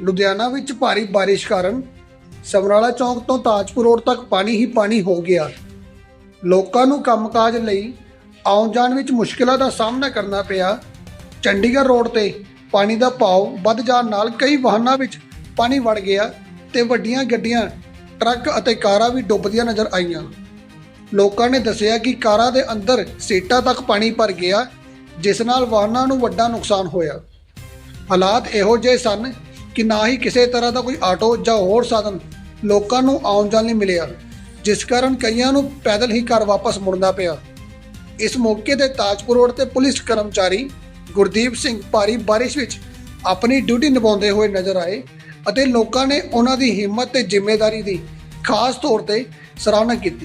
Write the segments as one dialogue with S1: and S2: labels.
S1: ਲੁਧਿਆਣਾ ਵਿੱਚ ਭਾਰੀ ਬਾਰਿਸ਼ ਕਾਰਨ ਸਮਰਾਲਾ ਚੌਂਕ ਤੋਂ ਤਾਜਪੁਰ ਰੋਡ ਤੱਕ ਪਾਣੀ ਹੀ ਪਾਣੀ ਹੋ ਗਿਆ। ਲੋਕਾਂ ਨੂੰ ਕੰਮਕਾਜ ਲਈ ਆਉਣ ਜਾਣ ਵਿੱਚ ਮੁਸ਼ਕਿਲਾਂ ਦਾ ਸਾਹਮਣਾ ਕਰਨਾ ਪਿਆ। ਚੰਡੀਗੜ੍ਹ ਰੋਡ ਤੇ ਪਾਣੀ ਦਾ ਭਾਅ ਵੱਧ ਜਾਣ ਨਾਲ ਕਈ ਵਾਹਨਾਂ ਵਿੱਚ ਪਾਣੀ ਵੜ ਗਿਆ ਤੇ ਵੱਡੀਆਂ ਗੱਡੀਆਂ, ਟਰੱਕ ਅਤੇ ਕਾਰਾਂ ਵੀ ਡੁੱਬਦੀਆਂ ਨਜ਼ਰ ਆਈਆਂ। ਲੋਕਾਂ ਨੇ ਦੱਸਿਆ ਕਿ ਕਾਰਾਂ ਦੇ ਅੰਦਰ ਸੀਟਾਂ ਤੱਕ ਪਾਣੀ ਭਰ ਗਿਆ, ਜਿਸ ਨਾਲ ਵਾਹਨਾਂ ਨੂੰ ਵੱਡਾ ਨੁਕਸਾਨ ਹੋਇਆ। ਹਾਲਾਤ ਇਹੋ ਜਿਹੇ ਸਨ ਕਿ ਨਾ ਹੀ ਕਿਸੇ ਤਰ੍ਹਾਂ ਦਾ ਕੋਈ ਆਟੋ ਜਾਂ ਹੋਰ ਸਾਧਨ ਲੋਕਾਂ ਨੂੰ ਆਉਣ ਜਾਣ ਲਈ ਮਿਲਿਆ, ਜਿਸ ਕਾਰਨ ਕਈਆਂ ਨੂੰ ਪੈਦਲ ਹੀ ਘਰ ਵਾਪਸ ਮੁੜਨਾ ਪਿਆ। ਇਸ ਮੌਕੇ ਤੇ ਤਾਜਪੁਰ ਰੋਡ ਤੇ ਪੁਲਿਸ ਕਰਮਚਾਰੀ ਗੁਰਦੀਪ ਸਿੰਘ ਭਾਰੀ ਬਾਰਿਸ਼ ਵਿੱਚ ਆਪਣੀ ਡਿਊਟੀ ਨਿਭਾਉਂਦੇ ਹੋਏ ਨਜ਼ਰ ਆਏ ਅਤੇ ਲੋਕਾਂ ਨੇ ਉਹਨਾਂ ਦੀ ਹਿੰਮਤ ਤੇ ਜ਼ਿੰਮੇਵਾਰੀ ਦੀ ਖਾਸ ਤੌਰ ਤੇ ਸਰਾਹਨਾ ਕੀਤੀ।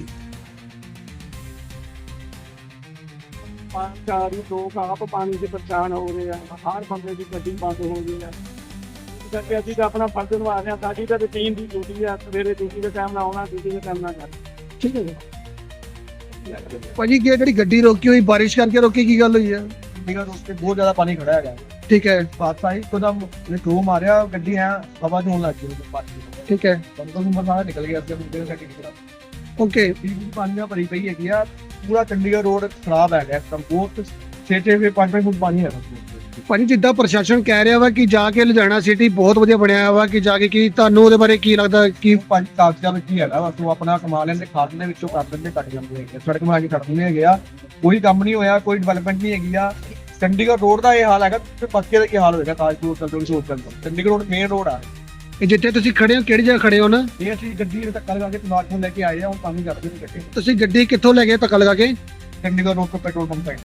S2: ਚਾਰੀ ਲੋਕ ਆਪ ਪਾਣੀ ਦੇ ਪਰੇਸ਼ਾਨ ਹੋ ਰਹੇ ਆ, ਹਰ ਬੰਦੇ ਦੀ ਗੱਡੀ ਬੰਦ ਹੋ ਗਈ ਆ। ਇਸ ਕਰਕੇ ਅਸੀਂ ਤਾਂ ਆਪਣਾ ਫਰਜ਼ ਨਿਭਾ ਰਹੇ ਹਾਂ। ਸਾਡੀ ਤਾਂ ਰੂਟੀਨ ਦੀ ਡਿਊਟੀ ਆ, ਸਵੇਰੇ ਡਿਊਟੀ ਦੇ ਟਾਈਮ ਨਾਲ ਆਉਣਾ, ਡਿਊਟੀ ਦੇ ਟਾਈਮ ਨਾਲ ਜਾਣਾ।
S1: ਠੀਕ ਹੈ ਜੀ ਭਾਜੀ, ਜਿਹੜੀ ਗੱਡੀ ਰੋਕੀ ਹੋਈ ਬਾਰਿਸ਼ ਕਰਕੇ ਰੋਕੀ, ਕੀ ਗੱਲ ਹੋਈ ਹੈ?
S2: ਚੰਡੀਗੜ੍ਹ ਰੋਡ ਤੇ ਬਹੁਤ ਜ਼ਿਆਦਾ ਪਾਣੀ ਖੜਾ ਹੈਗਾ।
S1: ਠੀਕ ਹੈ,
S2: ਹਾਦਸਾ ਇੱਕਦਮ ਟੋ ਮਾਰਿਆ, ਗੱਡੀ ਐ ਹਵਾ ਚ ਹੋਣ ਲੱਗ ਗਈ ਪਾਣੀ।
S1: ਠੀਕ ਹੈ,
S2: ਬੰਦਾ ਨੂੰ ਮਸਾਲਾ ਨਿਕਲ ਗਿਆ ਅੱਗੇ ਮੁੰਡੇ ਸਾਡੀ ਕਿਹੜਾ
S1: ਓਕੇ।
S2: ਪਾਣੀ ਨਾਲ ਭਰੀ ਪਈ ਹੈਗੀ ਆ। ਪੂਰਾ ਚੰਡੀਗੜ੍ਹ ਰੋਡ ਖਰਾਬ ਹੈਗਾ ਇੱਕਦਮ, ਬਹੁਤ 6-6 ਫੁੱਟ 5-5 ਫੁੱਟ ਪਾਣੀ ਹੈਗਾ।
S1: ਭਾਜੀ, ਜਿੱਦਾਂ ਪ੍ਰਸ਼ਾਸਨ ਕਹਿ ਰਿਹਾ ਵਾ ਕਿ ਜਾ ਕੇ ਲੁਧਿਆਣਾ ਸਿਟੀ ਬਹੁਤ ਵਧੀਆ ਬਣਿਆ ਵਾ, ਕਿ ਜਾ ਕੇ ਕੀ ਤੁਹਾਨੂੰ ਉਹਦੇ ਬਾਰੇ ਕੀ ਲੱਗਦਾ? ਕਿ
S2: ਪੰਜ ਕਾਗਜ਼ਾਂ ਵਿੱਚ ਹੀ ਹੈਗਾ, ਬਸ ਉਹ ਆਪਣਾ ਕਮਾ ਲੈਂਦੇ, ਖਾਦ ਦੇ ਵਿੱਚੋਂ ਕਰ ਦਿੰਦੇ, ਕੱਟ ਜਾਂਦੇ ਹੈਗੇ, ਸੜਕ ਬਣਾ ਕੇ ਕੱਟ ਦਿੰਦੇ ਹੈਗੇ ਆ। ਕੋਈ ਕੰਮ ਨਹੀਂ ਹੋਇਆ, ਕੋਈ ਡਿਵੈਲਪਮੈਂਟ ਨਹੀਂ ਹੈਗੀ ਆ। ਚੰਡੀਗੜ੍ਹ ਰੋਡ ਦਾ ਇਹ ਹਾਲ ਹੈਗਾ ਤੇ ਪੱਕੇ ਦਾ ਕੀ ਹਾਲ ਹੋਏਗਾ? Tajpur Chandigarh Chandigarh road main road ਆ।
S1: ਇਹ ਜਿੱਥੇ ਤੁਸੀਂ ਖੜੇ ਹੋ, ਕਿਹੜੀ ਜਗ੍ਹਾ ਖੜੇ ਹੋ ਨਾ?
S2: ਇਹ ਅਸੀਂ ਗੱਡੀ ਦੇ ਧੱਕਾ ਲਗਾ ਕੇ ਤਮਾਕੂ ਲੈ ਕੇ ਆਏ ਆ, ਹੁਣ ਪਾਣੀ ਕਰਦੇ ਨਹੀਂ ਕੱਟੇ।
S1: ਤੁਸੀਂ ਗੱਡੀ ਕਿੱਥੋਂ ਲੈ ਗਏ ਧੱਕਾ ਲਗਾ ਕੇ?
S2: ਚੰਡੀਗੜ੍ਹ ਰੋਡ ਤੋਂ ਪੈਟਰੋਲ ਪੰਪ ਤੱਕ।